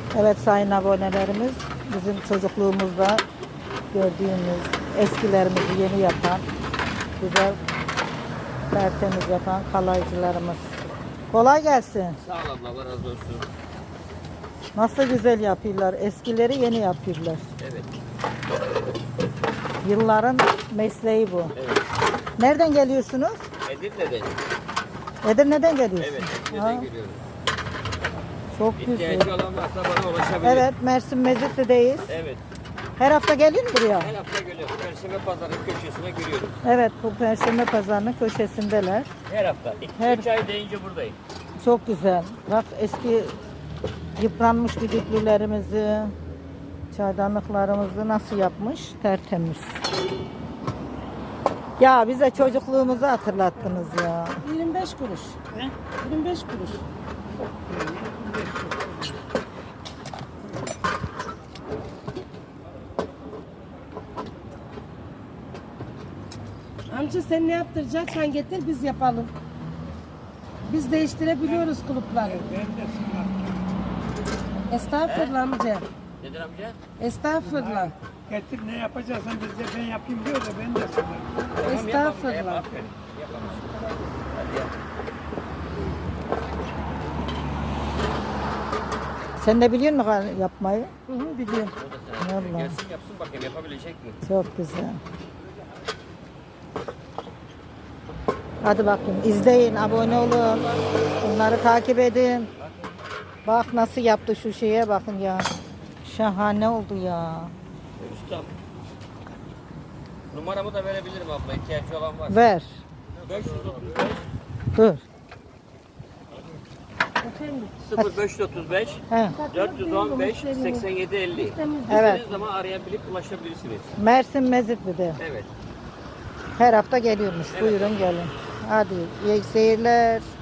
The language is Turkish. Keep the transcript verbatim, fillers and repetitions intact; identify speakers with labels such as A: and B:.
A: Evet sayın abonelerimiz, bizim çocukluğumuzda gördüğümüz eskilerimizi yeni yapan, güzel tertemiz yapan kalaycılarımız. Kolay gelsin.
B: Sağ ol abla, Allah razı olsun.
A: Nasıl güzel yapıyorlar. Eskileri yeni yapıyorlar.
B: Evet.
A: Yılların mesleği bu.
B: Evet.
A: Nereden geliyorsunuz?
B: Edirne'den.
A: Edirne'den geliyorsunuz.
B: Evet,
A: Ha,
B: Edirne'den geliyoruz.
A: çok güzel.
B: İhtiyacı olan varsa bana ulaşabilir.
A: Evet, Mersin Mezitli'deyiz.
B: Evet.
A: Her hafta geliyor mu buraya?
B: Her hafta geliyoruz. Perşembe pazarının köşesine giriyoruz.
A: Evet, bu Perşembe Pazarı'nın köşesindeler.
B: Her hafta. İki
A: Her-
B: üç ay deyince buradayım.
A: Çok güzel. Bak eski yıpranmış düdüklülerimizi, çaydanlıklarımızı nasıl yapmış? Tertemiz. Ya bize çocukluğumuzu hatırlattınız ya.
C: yirmi beş kuruş. He? yirmi beş kuruş. Amca sen ne yaptıracaksan getir biz yapalım. Biz değiştirebiliyoruz kulüpleri. Estağfurullah amca.
B: Nedir amca?
C: Estağfurullah.
D: Getir ne yapacaksan biz de ben yapayım diyor da ben de sana.
B: Tamam, yapalım.
C: Estağfurullah.
B: Yap, aferin. Yapalım. Hadi yap.
A: Sen de biliyor musun yapmayı?
C: Hı hı, biliyorum.
B: O da sana.
A: Vallahi.
B: Gelsin yapsın bakayım yapabilecek mi?
A: Çok güzel. Hadi bakayım izleyin, abone olun. Bunları takip edin. Bak nasıl yaptı şu şeye bakın ya. Şahane oldu ya.
B: Ustam. Numaramı da verebilirim abla. İhtiyacı olan varsa.
A: Ver.
B: beş yüz otuz beş
A: Dur.
C: Efendim.
B: sıfır beş otuz beş
A: He.
B: dört yüz on beş seksen yedi elli.
A: Evet.
B: İstediğiniz zaman arayabilip ulaşabilirsiniz.
A: Mersin Mezitli'de.
B: Evet.
A: Her hafta geliyormuş.
B: Evet.
A: Buyurun gelin. Hadi iyi seyirler.